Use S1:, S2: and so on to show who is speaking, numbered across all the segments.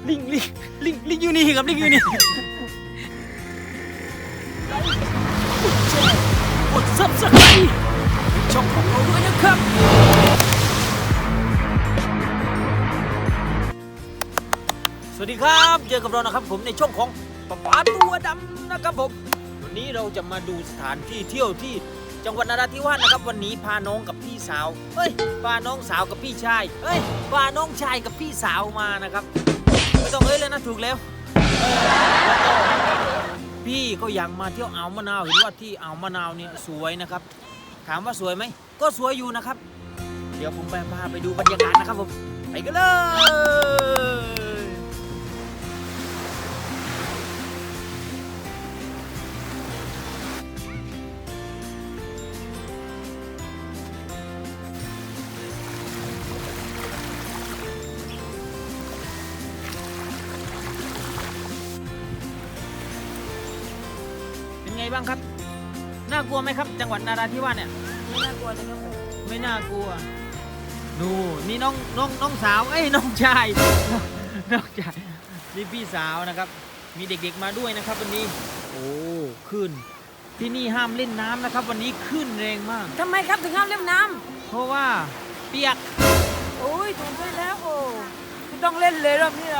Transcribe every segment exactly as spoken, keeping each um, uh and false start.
S1: ลิงลิงลิงลิงอยู่นี่ครับลิงอยู่นี่กดซับสไครต์ช่องของเราด้วยนะครับสวัสดีครับเจอกับเรานะครับผมในช่องของป๊าป๊าตัวดำนะครับผมวันนี้เราจะมาดูสถานที่เที่ยวที่จังหวัดนราธิวาสนะครับวันนี้พาน้องกับพี่สาวเฮ้ยพาน้องสาวกับพี่ชายเฮ้ยพาน้องชายกับพี่สาวมานะครับไม่ต้องเอ้ยเลยนะถูกแล้วแล้วก็พี่ก็อยากมาเที่ยวอ่าวมะนาวเห็นว่าที่อ่าวมะนาวเนี่ยสวยนะครับถามว่าสวยไหมก็สวยอยู่นะครับเดี๋ยวผมไปพาไปดูบรรยากาศนะครับผมไปกันเลยไงบ้างครับน่ากลัวไหมครับจังหวัดนราธิวาสเนี่ย
S2: ไม่น่ากลัวเลยครับผม
S1: ไม่น่ากลัวดูนี่น้องน้องน้องสาวเอ้ยน้องชายน้องชายนี่พี่สาวนะครับมีเด็กๆมาด้วยนะครับวันนี้โอ้ขึ้นที่นี่ห้ามเล่นน้ำนะครับวันนี้ขึ้นแรงมาก
S2: ทำไมครับถึงห้ามเล่นน้
S1: ำเพราะว่าเปียก
S2: โอ้ยถูกด้วยแล้วโอ้ไม่ต้องเล่นเลยรอบนี้เรา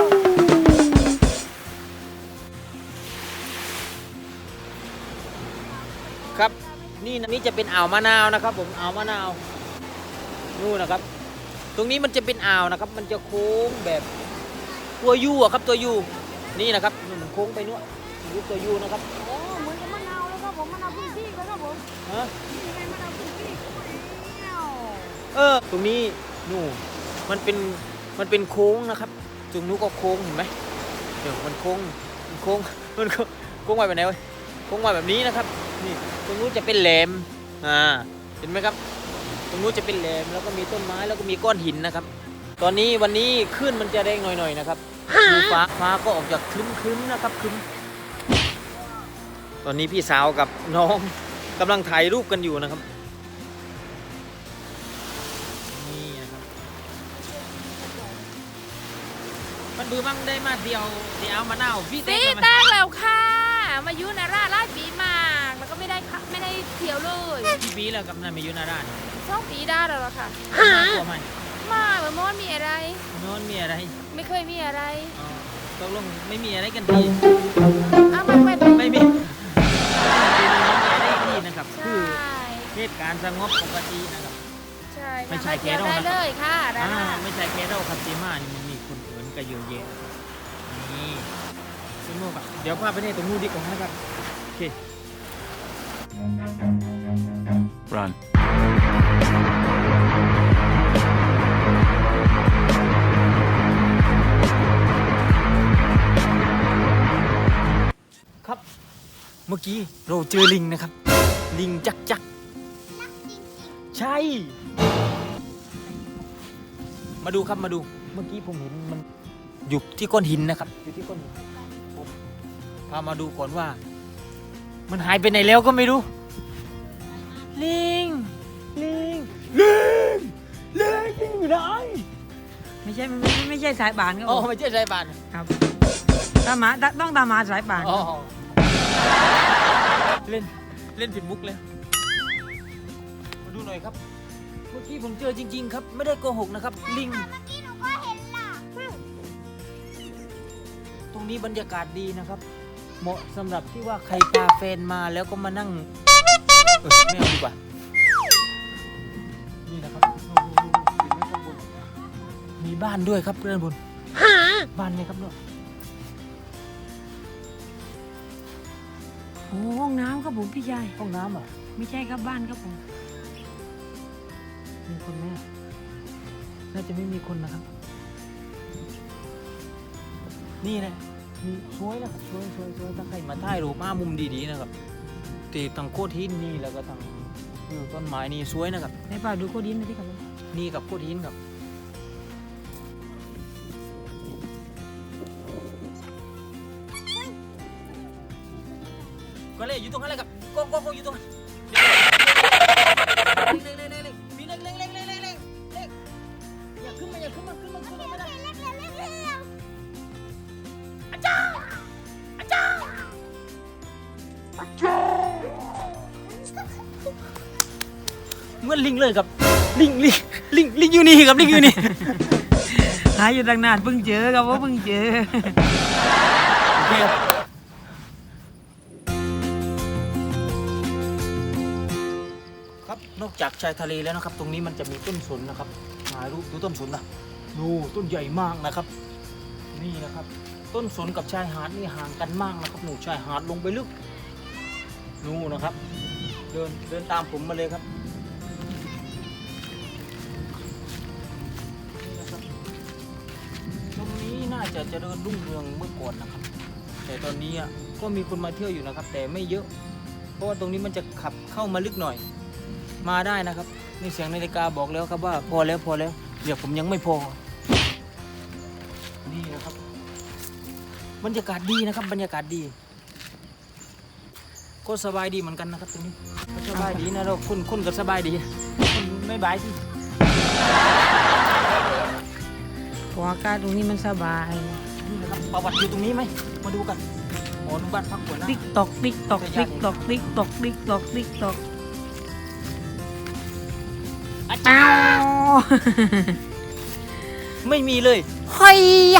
S1: ครับนี่นี่จะเป็นอ่าวมะนาวนะครับผมอ่าวมะนาวนู่นนะครับตรงนี้มันจะเป็นอ่าวนะครับมันจะโค้งแบบตัวยูอะครับตัวยูนี่นะครับมันโค้งไปนู่นรูปตัวยูนะครับ
S2: โอ้เหมือนกับมะนาวแล้วครับผมมะนาวพื้นที่เลยครับผม
S1: ฮะ
S2: นี่ไงมะนาวพื้นที่
S1: เออตรงนี้นู่นมันเป็นมันเป็นโค้งนะครับตรงนู้นก็โค้งเห็นไหมเดี๋ยวมันโค้งมันโค้งมันโค้งไปแบบไหนวะโค้งไปแบบนี้นะครับนี่ตรงนู้นจะเป็นแหลมอ่าเห็นไหมครับตรงนู้นจะเป็นแหลมแล้วก็มีต้นไม้แล้วก็มีก้อนหินนะครับตอนนี้วันนี้ขึ้นมันจะแรงหน่อยๆนะครับดูฟ้าฟ้าก็ออกจากครึ้มๆนะครับครึ้มตอนนี้พี่สาวกับน้องกำลังถ่ายรูปกันอยู่นะครับนี่นะครับมันบือมั่งได้มาเดียวเดียวมะนาวพี่
S2: ตีแตงแล้วค่ะมายุนาราลาดปีมากแล้วก็ไม่ได้ไม่ได้เที่ยวเลย
S1: กี่ปีแล้วกับนายมายุนารา
S2: สองปีได้แล้วค่ะ
S1: กลัวไหม
S2: มาเหมือนโน้นมีอะไร
S1: โน้นมีอะไร
S2: ไม่เคยมีอะไร
S1: ตกลงไม่มีอะไรกันดี
S2: อ้าวไม่ไม่
S1: ไม่มีไม่มีอะไรดีนะครับคือเหตุการณ์สงบปกตินะครับ
S2: ใช่
S1: ไม่ใช่แค่เรา
S2: เลยค่ะ
S1: ไม่ใช่แค่เราครับซีมานี่มันมีคนอื่นก็เยอะแยะนี่สนุกอ่ะเดี๋ยวพาไปในตรงนู้นดีกว่านะครับโอเค Run ครับเมื่อกี้เราเจอลิงนะครับลิงจักจักใช่มาดูครับมาดูเมื่อกี้ผมเห็นมันอยู่ที่ก้อนหินนะครับอยู่ที่ก้อนหินผมพามาดูก่อนว่ามันหายไปไหนแล้วก็ไม่รู้ลิงลิงลิงลิงลิงอยู่ไหน
S2: ไม่ใช่ไม่ไม่ใช่สายบานครับ
S1: อ๋อไม่ใช่สายบาน
S2: ครับตามหมาต้องตามหมาสายบาน
S1: อ๋อเล่นเล่นผิดมุกเลยมาดูหน่อยครับเมื่อกี้ผมเจอจริงๆครับไม่ได้โกหกนะครับลิง
S3: เมื่อกี้หนูก็เห็นล่ะ
S1: ตรงนี้บรรยากาศดีนะครับเหมาะสำหรับที่ว่าใครพาแฟนมาแล้วก็มานั่งเออไม่เอาดีกว่านี่นะครับมีบ้านด้วยครับเพื่อนบุญบ้านไหมครับเนี่ย
S2: โอ้ห้องน้ำครับผมพี่ชาย
S1: ห้องน้ำเหรอ
S2: ไม่ใช่ครับบ้านครับผม
S1: มีคนไหมน่าจะไม่มีคนนะครับนี่นะมีสวยนะครับสวยสวยสวยถ้าใครมาถ่ายรูปมามุมดีๆนะครับตีตั้งโคตรหินนี่แล้วก็ตั้งต้นไม้นี่สวยนะครับ
S2: ในป่าดูโคตรหินนะที่ครับ
S1: นี่กับโคตรหินครับก็เลยอยู่ตรงนั้นเลยครับก็ก็ก็อยู่ตรงนั้นเล็กเล็กเล็กเล็กมีเล็กเล็กเล็กเล็กเล็กเล็กอย่าขึ้นมาอย่าขึ้นมาขึ้นมาขึ้นมาไม่ได้เหมือนลิงเลยครับลิงลิงลิงลิงอยู่นี่ครับลิงอยู่นี่
S3: หาอยู่ตั้งนานเพิ่งเจอครับว่าเพิ่งเจอ
S1: โอเคครับครับนอกจากชายทะเลแล้วนะครับ ตรงนี้มันจะมีต้นสนนะครับถ่ายรูปดูต้นสนนะดูต้นใหญ่มากนะครับ นี่นะครับ ต้นสนกับชายหาดนี่ห่างกันมากนะครับหนูชายหาดลงไปลึกนู่นนะครับ เดินเดินตามผมมาเลยครับนี่นะครับตรงนี้น่าจะเจริญรุ่งเรืองเมื่อก่อนนะครับ แต่ตอนนี้อ่ะก็มีคนมาเที่ยวอยู่นะครับ แต่ไม่เยอะ เพราะว่าตรงนี้มันจะขับเข้ามาลึกหน่อย มาได้นะครับนี่เสียงนาฬิกาบอกแล้วครับว่าพอแล้วพอแล้วเดี๋ยวผมยังไม่พอนี่นะครับบรรยากาศดีนะครับบรรยากาศดี ก็สบายดีเหมือนกันนะครับตรงนี้ก็สบายดีนะเราคุณคุณก็สบายดีคุณไม่บายสิ
S3: เพราะอากาศตรงนี้มันสบาย
S1: นี่นะครับประวัติอยู่ตรงนี้ไหมมาดูกันหอนุบ้านพักหัวหน้า
S3: ติ๊กตอกติ๊กตอกติ๊กตอกติ๊กตอกติ๊กตอกติ๊กตอก
S1: อาจา
S3: อ้าร
S1: ย์
S3: ว
S1: ไม่มีเลย
S3: เฮ้ยอะ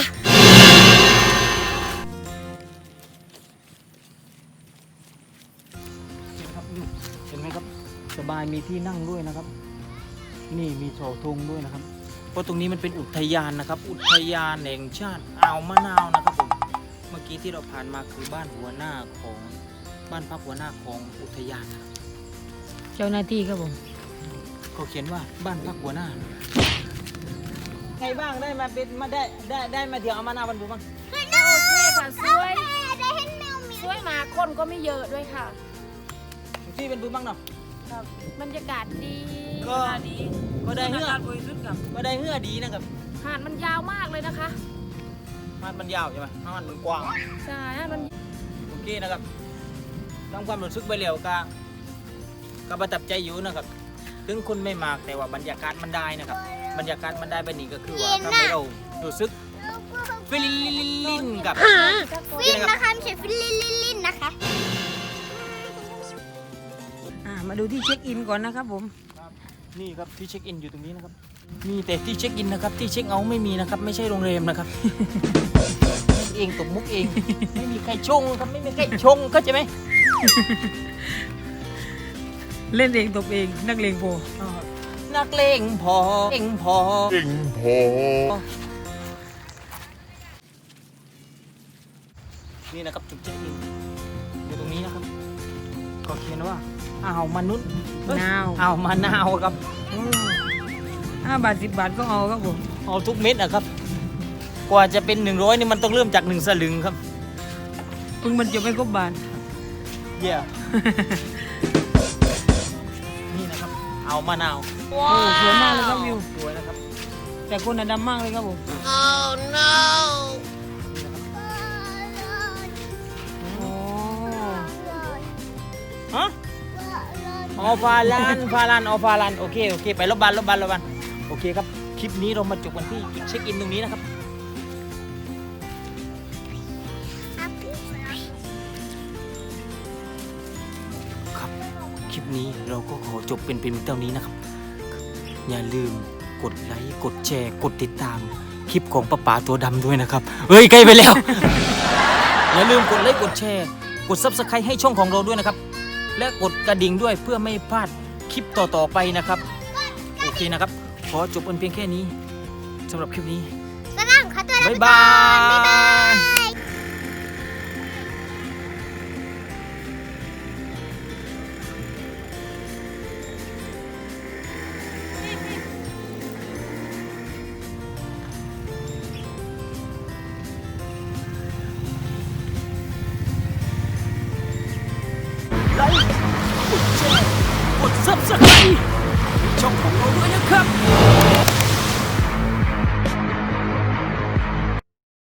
S1: เห็นครับนี่เห็นไหมครับสบายมีที่นั่งด้วยนะครับ นี่มีเสาธงด้วยนะครับ เพราะตรงนี้มันเป็นอุทยานนะครับ อุทยานแห่งชาติอ่าวมะนาวนะครับผมเมื่อกี้ที่เราผ่านมาคือบ้านหัวหน้าของบ้านพักหัวหน้าของอุทยานนะครับ
S3: เจ้าหน้าที่ครับผม
S1: เขาเขียนว่าบ้านพักหัวหน้าใครบ้างได้มาเป็นมาได้ได้ได้มาเที่ยวเอามะนาวบันบุบ้าง
S2: โอเคค่ะสวยสวยมากคนก็ไม่เยอะด้วยค่ะ
S1: ที่เป็นบุบ้างเนาะ
S2: ครับบรรยากาศดี
S1: ก็
S2: ดี
S1: ก็ได้เหื่อ
S3: บริสุทธิ์ครับ
S1: ก็ได้เหื่อดีนะครับ
S2: หาดมันยาวมากเลยนะคะ
S1: หาดมันยาวใช่ไหมหาดมันกว้าง
S2: ใช่หาดมัน
S1: โอเคนะครับทำความรู้สึกไปแล้วก็ก็ประทับใจอยู่นะครับ ถึงคนไม่มากแต่ว่าบรรยากาศมันได้นะครับ บรรยากาศมันได้แบบนี้ก็คือว่าทำให้เรารู้สึกฟิลลินกับ
S4: ฟินนะคะไม่ใช่ฟิลลินลินลินนะคะ
S3: อ่ามาดูที่เช็คอินก่อนนะครับผม
S1: นี่ครับที่เช็คอินอยู่ตรงนี้นะครับ มีแต่ที่เช็คอินนะครับที่เช็คเอาท์ไม่มีนะครับ ไม่ใช่โรงแรมนะครับ เองตกมุกเอง ไม่มีใครชงครับไม่มีใครชงเข้าใจไหม
S3: เล่นเองตบเองนักเลงโพ
S1: นักเลงพอเองพอเองพอนี่นะครับจุดเช็คอินอยู่ตรงนี้นะครับก็เขียนว่าอ่าวมนุษย์เอ้ย
S3: นาว
S1: อ่าวมะนาวครับ
S3: อืมห้าบาทสิบบาทก็เอาครับผม
S1: เอาทุกเม็ดนะครับ กว่าจะเป็นหนึ่งร้อยนี่มันต้องเริ่มจากหนึ่งสลึงครับ
S3: เพิ่งมันจะไม่ครบบาท
S1: เยี่ย นี่นะครับเอามะนาว
S3: โอ้สวยมากเลยครับวิว
S1: สวยนะครับ
S3: แต่คนน่ะดำมากเลยครับผม โอ้
S1: ฮะออฟาลันฟาลันออฟาลันโอเคโอเคไปรบบันรบบันรบบันโอเคครับคลิปนี้เรามาจบกันที่จุดเช็คอินตรงนี้นะครับครับคลิปนี้เราก็ขอจบเป็นเพียงเท่านี้นะครับ อย่าลืมกดไลค์กดแชร์กดติดตามคลิปของป้าป๋าตัวดำด้วยนะครับเฮ้ยใกล้ไปแล้ว อย่าลืมกดไลค์กดแชร์กด ซับสไครบ์ ให้ช่องของเราด้วยนะครับ และกดกระดิ่งด้วยเพื่อไม่พลาดคลิปต่อๆไปนะครับโอเคนะครับขอจบเป็นเพียงแค่นี้สำหรับคลิปนี้
S4: ก็นั่งขอตัวลา
S1: บ๊าย
S4: ไป
S1: บา
S4: ก่อนบ๊ายบาย ย
S1: ไลค์